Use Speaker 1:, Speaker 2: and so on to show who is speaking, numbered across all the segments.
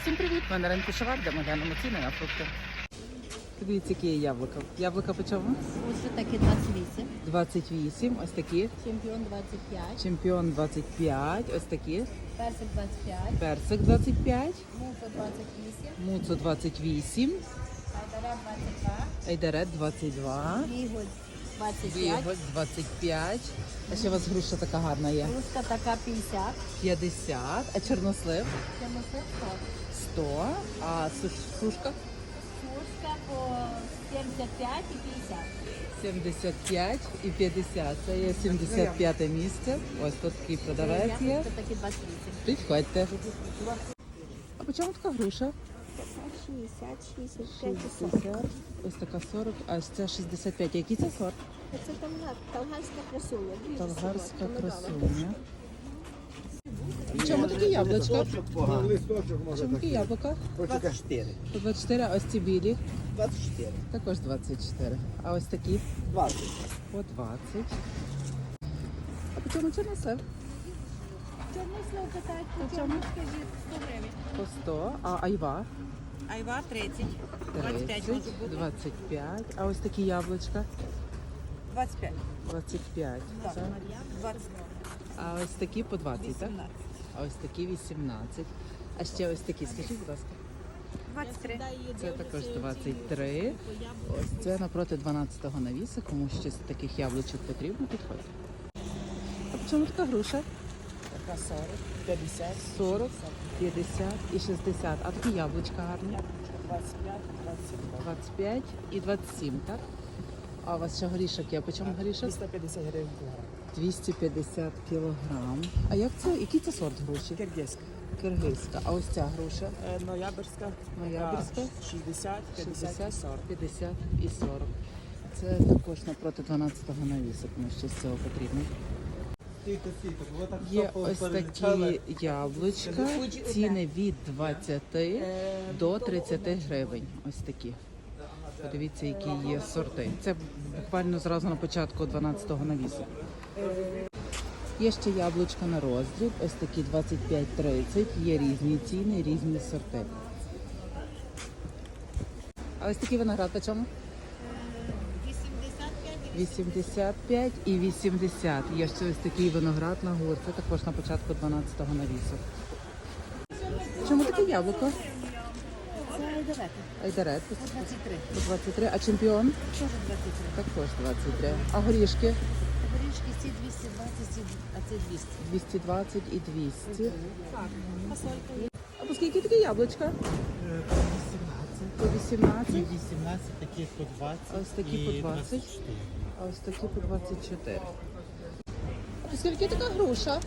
Speaker 1: Всім привіт! Ми на ринку Шаварда, ми глянемо ціни на фрукти. Дивіться, які є яблука. Яблука по чому?
Speaker 2: Ось такі 28.
Speaker 1: 28, ось такі.
Speaker 2: Чемпіон 25.
Speaker 1: Чемпіон 25, ось такі.
Speaker 2: Персик 25.
Speaker 1: Персик 25.
Speaker 2: Муфа 28.
Speaker 1: Муцо 28.
Speaker 2: Айдарет 22.
Speaker 1: Айдарет 22.
Speaker 2: Вігуль 25.
Speaker 1: Віголь 25. А ще у вас груша така гарна є.
Speaker 2: Руска така 50.
Speaker 1: 50. А чорнослив?
Speaker 2: Чемоси 100.
Speaker 1: 100. А сушка?
Speaker 2: Сушка по 75 і 50.
Speaker 1: 75 і 50. Це є 75 місце. Ось тут такий продавець є.
Speaker 2: Яблука такі 28.
Speaker 1: Підходьте. А по чому така груша?
Speaker 2: 60, 65 і 40.
Speaker 1: 60. Ось така 40, а це 65. Який це сорт?
Speaker 2: Це талгарська красуня.
Speaker 1: Талгарська красуня. В чому такі яблучка? В чому такі яблука?
Speaker 3: 24.
Speaker 1: По 24, а ось ці білі?
Speaker 3: 24.
Speaker 1: Також 24. А ось такі?
Speaker 3: 20.
Speaker 1: По 20. А по чому чорнослив?
Speaker 2: Чорнослив питають,
Speaker 1: По чому?
Speaker 2: скажіть, 100 гривень.
Speaker 1: По 100. А айва?
Speaker 2: Айва 30.
Speaker 1: 30, 25. А ось такі яблучка?
Speaker 2: 25.
Speaker 1: 25. Це.
Speaker 2: 20.
Speaker 1: А ось такі по 20, так? А ось такі 18. А ще ось такі, скажіть, будь ласка.
Speaker 2: 23.
Speaker 1: Це також 23. Ось це напроти 12-го навіса. Кому ще з таких яблучок потрібно, підходьте. А по чому така груша?
Speaker 3: Така 40, 50,
Speaker 1: 40, 50 і 60. А такі яблучка гарні?
Speaker 3: 25, 22.
Speaker 1: 25 і 27, так? А у вас ще горішок є. По чому горішок?
Speaker 3: 350 гривень кілограм.
Speaker 1: 250 кілограм. А як це? Який це сорт груші?
Speaker 3: Киргизька.
Speaker 1: Киргизька. А ось ця груша?
Speaker 3: Ноябрьська.
Speaker 1: Ноябрьська.
Speaker 3: 60, 50 і 40.
Speaker 1: 50 і 40. Це також напроти 12-го навісу, тому що з цього потрібно. Є ось такі яблучка, ціни від 20 до 30 гривень. Ось такі. Подивіться, які є сорти. Це буквально зразу на початку 12-го навісу. Є ще яблучка на роздріб, ось такі 25-30, є різні ціни, різні сорти. А ось такий виноград по чому? 85 і 80. Є ще ось такий виноград на гурт. Це також на початку 12-го навісу. Чому таке яблуко?
Speaker 2: Це айдарет.
Speaker 1: Айдарет
Speaker 2: 23.
Speaker 1: по 23. А чемпіон?
Speaker 2: Теж 23.
Speaker 1: Також 23. А горішки?
Speaker 2: Горішки ці 220, а це 200.
Speaker 1: 220 і 200.
Speaker 2: Так. Фасолька є.
Speaker 1: А по скільки таке яблучка? По 18.
Speaker 3: 18, такі по 20.
Speaker 1: А ось такі по 20. А ось такі по 24. А по скільки така груша?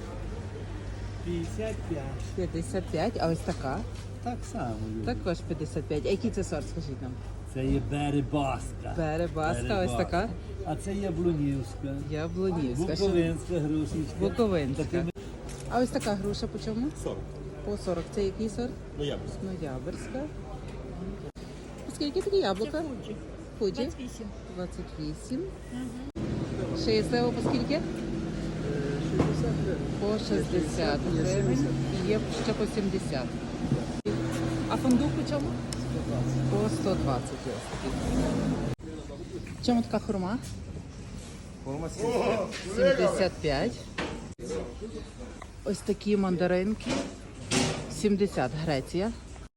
Speaker 3: 55.
Speaker 1: 55. А ось така?
Speaker 3: Так само.
Speaker 1: Також 55. А який це сорт, скажіть нам?
Speaker 3: Це є Беребаска.
Speaker 1: Беребаска, ось така.
Speaker 3: А це Яблунівська.
Speaker 1: Яблунівська. ще
Speaker 3: Буковинська грушечка.
Speaker 1: Буковинська. А ось така груша по чому?
Speaker 4: 40.
Speaker 1: По 40. Це який сорт?
Speaker 4: Ноябрьська.
Speaker 1: Ноябрьська. По скільки такі яблука? Фуджі.
Speaker 2: 28.
Speaker 1: 28. Ще є слива по скільки?
Speaker 3: 60 гривень.
Speaker 1: По 60 гривень. І є ще по 70. А фундук по чому? По 120 є ось такий. В чому така хурма?
Speaker 4: Форма
Speaker 1: 75. Ось такі мандаринки. 70 Греція.